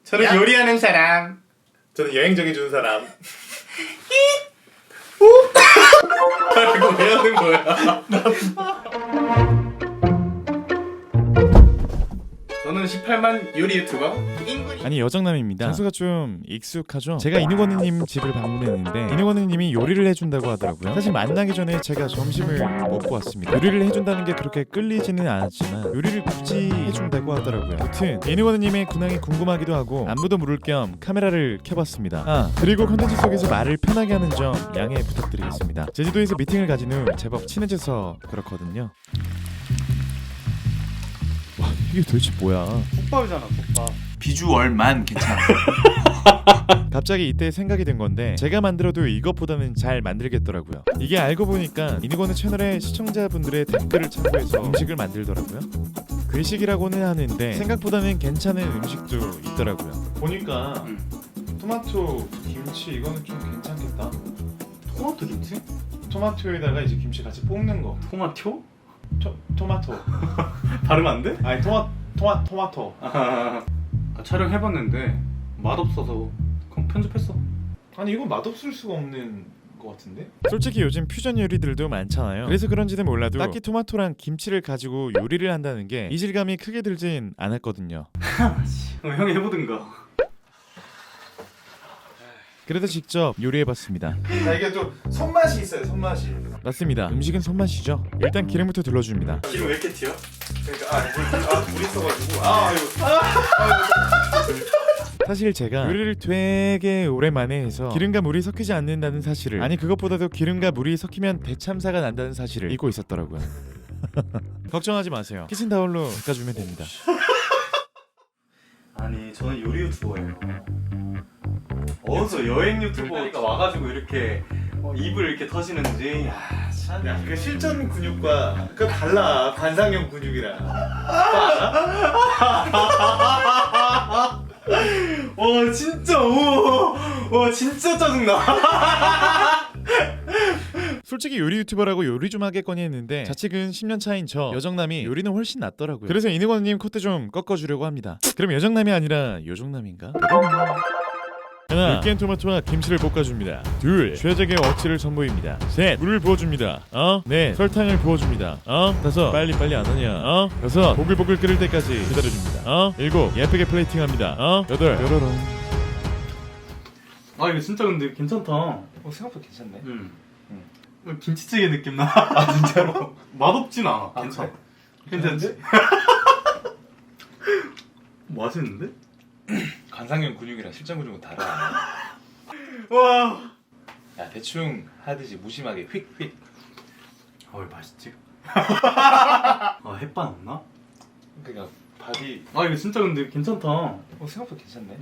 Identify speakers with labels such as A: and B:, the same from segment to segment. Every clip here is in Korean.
A: 저는
B: 야.
A: 요리하는 사람.
B: 저는 여행 정해주는 사람.
A: 이거 왜 하는 거야? 저는 18만 요리 유튜버 인군이.
C: 아니 여정남입니다. 장소가 좀 익숙하죠? 제가 이누건우님 집을 방문했는데 이누건우님이 요리를 해준다고 하더라고요. 사실 만나기 전에 제가 점심을 먹고 왔습니다. 요리를 해준다는 게 그렇게 끌리지는 않았지만 요리를 굳이 해준다고 하더라고요. 여튼 이누건우님의 근황이 궁금하기도 하고 안부도 물을 겸 카메라를 켜봤습니다. 아 그리고 컨텐츠 속에서 말을 편하게 하는 점 양해 부탁드리겠습니다. 제주도에서 미팅을 가진 후 제법 친해져서 그렇거든요. 와 이게 도대체 뭐야?
A: 국밥이잖아 국밥.
B: 비주얼만 괜찮아.
C: 갑자기 이때 생각이 든 건데 제가 만들어도 이것보다는 잘 만들겠더라고요. 이게 알고 보니까 이누건우 채널의 시청자분들의 댓글을 참고해서 음식을 만들더라고요. 글식이라고는 하는데 생각보다는 괜찮은 음식도 있더라고요. 보니까 토마토 김치 이거는 좀 괜찮겠다.
A: 토마토 김치?
C: 토마토에다가 이제 김치 같이 볶는 거.
A: 토마토?
C: 토마토.
A: 발음 안 돼?
C: 아니 토마토.
A: 촬영해봤는데 맛없어서 그럼 편집했어.
C: 아니 이건 맛없을 수가 없는 것 같은데? 솔직히 요즘 퓨전 요리들도 많잖아요. 그래서 그런지는 몰라도 딱히 토마토랑 김치를 가지고 요리를 한다는 게 이질감이 크게 들진 않았거든요.
A: 형이 해보든가.
C: 그래서 직접 요리해봤습니다.
B: 자 이게 또 손맛이 있어요. 손맛이.
C: 맞습니다. 음식은 손맛이죠. 일단 기름부터 둘러줍니다.
A: 기름 왜 이렇게 튀어?
B: 그러니까 물이 있어가지고
C: 사실 제가 요리를 되게 오랜만에 해서 기름과 물이 섞이지 않는다는 사실을, 아니 그것보다도 기름과 물이 섞이면 대참사가 난다는 사실을 잊고 있었더라고요. 걱정하지 마세요. 키친타올로 닦아주면 됩니다.
A: 아니 저는 요리 유튜버예요. 어디서 여행 유튜버가 와가지고 이렇게 입을 이렇게 터시는지. 야, 참.
B: 야, 그 실전 근육과 그 달라. 관상형 근육이랑.
A: 와 진짜 와 진짜 짜증나.
C: 솔직히 요리 유튜버라고 요리 좀 하겠거니 했는데 자측은 10년 차인 저 여정남이 요리는 훨씬 낫더라고요. 그래서 이누건우님 콧대 좀 꺾어주려고 합니다. 그럼 여정남이 아니라 요정남인가? 하나, 으깬 토마토와 김치를 볶아줍니다. 둘, 최적의 어치를 선보입니다. 셋, 물을 부어줍니다. 넷, 설탕을 부어줍니다. 다섯, 빨리빨리 안 하냐. 여섯, 보글보글 끓을 때까지 기다려줍니다. 일곱, 예쁘게 플레이팅합니다. 여덟, 뾰로롱.
A: 아 이거 진짜 근데 괜찮다.
B: 생각보다 괜찮네.
A: 김치찌개 느낌 나. 아 진짜로. 맛없진 않아.
B: 아,
A: 괜찮아.
B: 그래?
A: 괜찮지? 맛있는데?
B: 관상형 근육이랑 실전 근육은 달라.
A: 와.
B: 야 대충 하듯이 무심하게 휙휙.
A: 왜 맛있지? 아 햇반 없나?
B: 그러니까 밥이
A: 아 이거 진짜 근데 괜찮다.
B: 생각보다 괜찮네.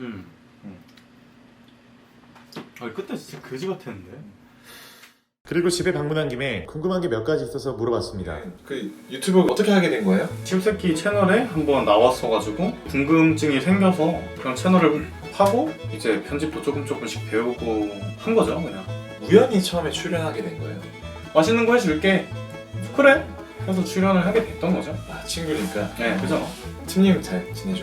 A: 아 그때 진짜 그지 같았는데.
C: 그리고 집에 방문한 김에 궁금한 게 몇 가지 있어서 물어봤습니다.
B: 그 유튜브 어떻게 하게 된 거예요?
A: 칩새끼 채널에 한번 나왔어가지고 궁금증이 생겨서 그런 채널을 하고 이제 편집도 조금씩 배우고 한 거죠 그냥.
B: 우연히 처음에 출연하게 된 거예요.
A: 맛있는 거 해줄게. 그래. 그래서 출연을 하게 됐던 거죠.
B: 아 친구니까.
A: 네, 그죠.
B: 팀님 잘 지내죠?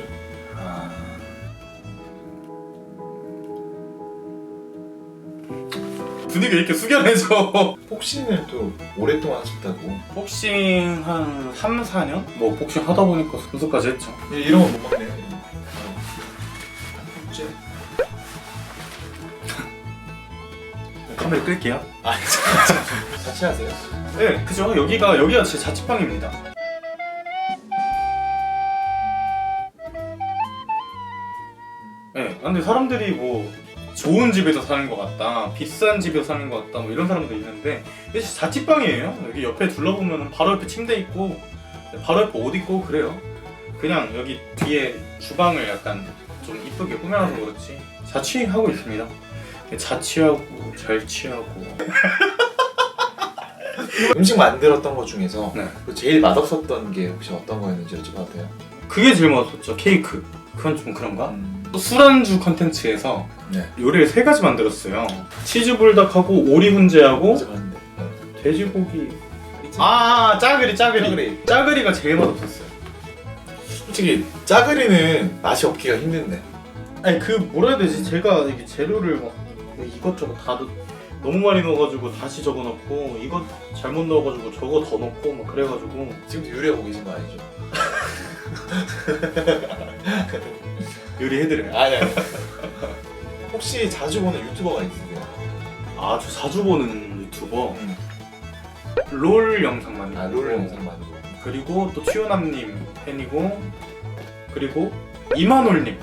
A: 분위기 이렇게 숙연해져.
B: 복싱을 또 오랫동안 하셨다고.
A: 복싱 한 3, 4년? 뭐 복싱 하다 보니까 선수까지 했죠.
B: 이런 건 못 먹네요. 이제
A: 카메라 끌게요.
B: 같이 하세요.
A: 네, 그죠. 여기가 제 자취방입니다. 네, 근데 사람들이 뭐 좋은 집에서 사는 것 같다, 비싼 집에서 사는 것 같다, 뭐 이런 사람도 있는데 이게 자취방이에요. 여기 옆에 둘러보면 바로 옆에 침대 있고 바로 옆에 옷 있고 그래요. 그냥 여기 뒤에 주방을 약간 좀 이쁘게 꾸며놔서 그렇지 자취하고 있습니다. 자취하고 잘 취하고.
B: 음식 만들었던 것 중에서
A: 네.
B: 제일 맛없었던 게 혹시 어떤 거였는지 여쭤봐도 돼요?
A: 그게 제일 맛없었죠. 케이크. 그건 좀 그런가? 또 술안주 컨텐츠에서
B: 네.
A: 요리를 3가지 만들었어요. 치즈불닭하고 오리 훈제하고
B: 어제 봤는데.
A: 돼지고기.
B: 아
A: 짜글이.
B: 짜글이.
A: 짜글이가 제일 맛없었어요.
B: 솔직히 짜글이는 맛이 없기가 힘든데.
A: 아니 그 뭐라 해야 되지? 제가 이게 재료를 막 이것저것 다 너무 많이 넣어가지고 다시 저거 넣고 이거 잘못 넣어가지고 저거 더 넣고 막 그래가지고
D: 지금도 요리하고 계신 거 아니죠?
A: 요리해드려요.
D: 아니. 혹시 자주 보는 유튜버가 있으세요?
A: 아 저 자주 보는 유튜버 롤 영상 많이
D: 아,
A: 보고
D: 롤 영상 많이 보고.
A: 그리고 또 튜요남님 팬이고 그리고 이만올님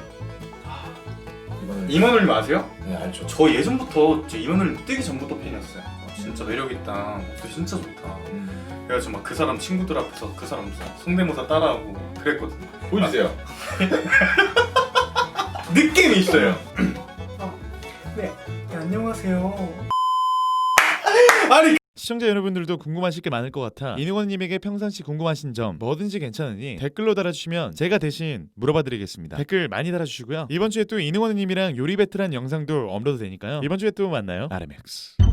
A: 이만올님 아세요?
D: 네, 알죠.
A: 저 예전부터 이만올님 뜨기 전부터 팬이었어요. 진짜 매력있다. 목소리 진짜 좋다. 그래가지고 막 그 사람 친구들 앞에서 그 사람 성대모사 따라하고 그랬거든요.
D: 보여주세요.
A: 느낌이 있어요. 네, 안녕하세요. 아니
C: 시청자 여러분들도 궁금하실 게 많을 것 같아 이능원님에게 평상시 궁금하신 점 뭐든지 괜찮으니 댓글로 달아주시면 제가 대신 물어봐드리겠습니다. 댓글 많이 달아주시고요. 이번 주에 또 이능원님이랑 요리 배틀한 영상도 업로드 되니까요. 이번 주에 또 만나요. RMX.